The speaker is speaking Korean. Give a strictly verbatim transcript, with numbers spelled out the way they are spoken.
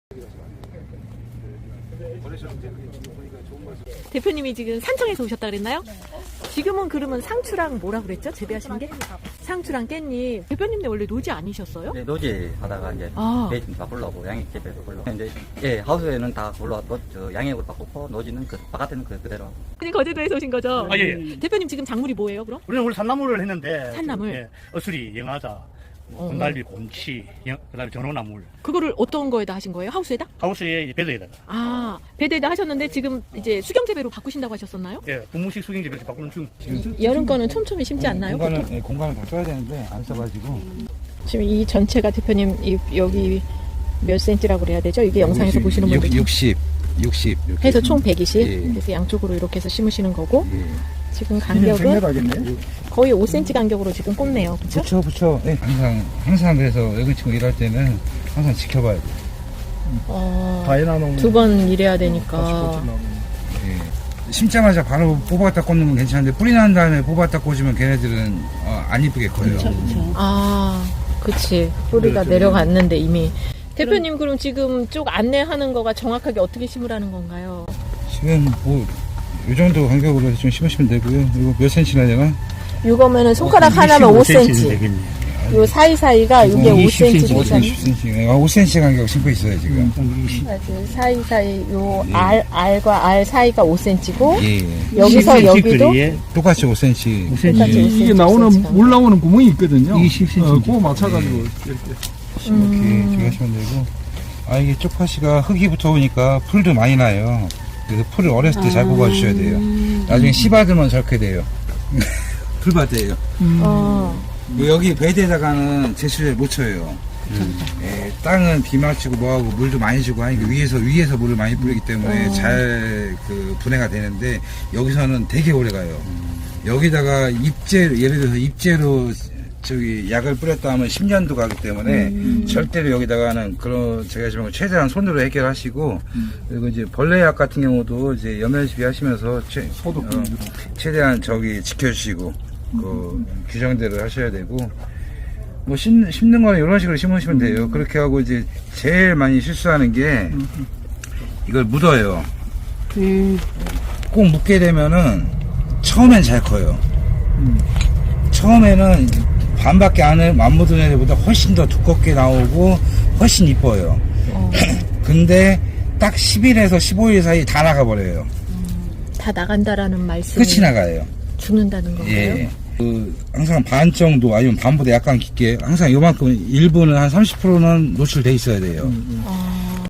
대표님이 지금 산청에서 오셨다 그랬나요? 네. 지금은 그러면 상추랑 뭐라 그랬죠? 재배하시는 게? 상추랑 깻잎. 대표님네 원래 노지 아니셨어요? 네, 노지 하다가 이제 아. 배 좀 바꾸려고 양액 재배 바꾸려고. 이제 예, 하우스에는 다 올라왔고 저 양액으로 바꾸고 노지는 그 바깥에는 그 그대로. 대표님 거제도에서 오신 거죠? 아, 예, 예. 대표님 지금 작물이 뭐예요, 그럼? 우리는 원래 산나물을 했는데 산나물? 예, 어수리, 영하자, 어. 건달비, 곤치, 영, 그다음에 전호나물. 그거를 어떤 거에다 하신 거예요? 하우스에다? 하우스에 이제 베드에다가 아, 배대에다 하셨는데 지금 이제 수경 재배로 바꾸신다고 하셨었나요? 예, 분무식 수경재 이렇게 바꾸는 중. 여름 거는 촘촘히 심지 않나요? 공간을, 보통? 예, 공간을 다 써야 되는데 안 써가지고 지금 이 전체가 대표님 이, 여기 몇 센치라고 그래야 되죠? 이게 영상에서 보시는 분들 육십, 육십 이렇게. 해서 총 백이십. 예. 그래서 양쪽으로 이렇게 해서 심으시는 거고 예. 지금 간격은 하겠네. 거의 오 센티미터 간격으로 지금 꽂네요. 그렇죠? 붙여 붙여. 예. 항상 항상 그래서 외근 친구 일할 때는 항상 지켜봐야 돼. 어, 다이나노 두 번 일해야 되니까. 예. 심자마자 바로 뽑았다 꽂는 건 괜찮은데 뿌리 난 다음에 뽑았다 꽂으면 걔네들은 어, 안 이쁘게 커요. 아, 그치. 뿌리가 내려갔는데 이미. 대표님 그럼 지금 쭉 안내하는 거가 정확하게 어떻게 심으라는 건가요? 지금 뭐 이 정도 간격으로 해서 좀 심으시면 되고요. 이거 몇 센치나 되나? 이거면은 손가락 하나면 오 센티미터. 요 사이사이가 이게 오 센티미터. 오 센티미터, 십 센티미터. 오 센티미터 간격 심고 있어요 지금. 맞아요. 사이사이 요 알, 알과 알 사이가 오 센티미터고 예. 여기서 여기도 똑같이 오 센티미터. 똑같이 오 이게 센티미터. 나오는 물 나오는 구멍이 있거든요. 이게 십 센티미터. 어, 그거 맞춰가지고 이렇게. 이렇게 이렇게 하시면 되고. 아 이게 쪽파씨가 흙이 붙어오니까 풀도 많이 나요. 그래서 풀을 어렸을 때 잘 뽑아주셔야 돼요. 나중에 씨 받으면 저렇게 돼요. 풀밭이에요. 어. 여기 베드에다가는 제수를 못 쳐요. 예, 땅은 비 맞추고 뭐하고 물도 많이 주고 하니까 위에서 위에서 물을 많이 뿌리기 때문에 어. 잘 그 분해가 되는데 여기서는 되게 오래 가요. 여기다가 입재 예를 들어서 입재로 저기 약을 뿌렸다 하면 십 년도 가기 때문에 음. 절대로 여기다가는 그런 제가 지금 최대한 손으로 해결하시고 그리고 이제 벌레약 같은 경우도 이제 염면시비 하시면서 최, 소독 어, 최대한 저기 지켜주시고 그 규정대로 하셔야 되고 뭐 심, 심는 거는 이런 식으로 심으시면 돼요. 그렇게 하고 이제 제일 많이 실수하는 게 이걸 묻어요. 꼭 묻게 되면은 처음엔 잘 커요. 처음에는 반밖에 안, 해, 안 묻은 애들보다 훨씬 더 두껍게 나오고 훨씬 이뻐요. 어. 근데 딱 십 일에서 십오 일 사이 다 나가버려요. 다 나간다라는 말씀이 끝이 나가요. 죽는다는 건가요? 예. 그 항상 반 정도 아니면 반보다 약간 깊게 항상 요만큼 일부는 한 삼십 퍼센트는 노출돼 있어야 돼요. 아.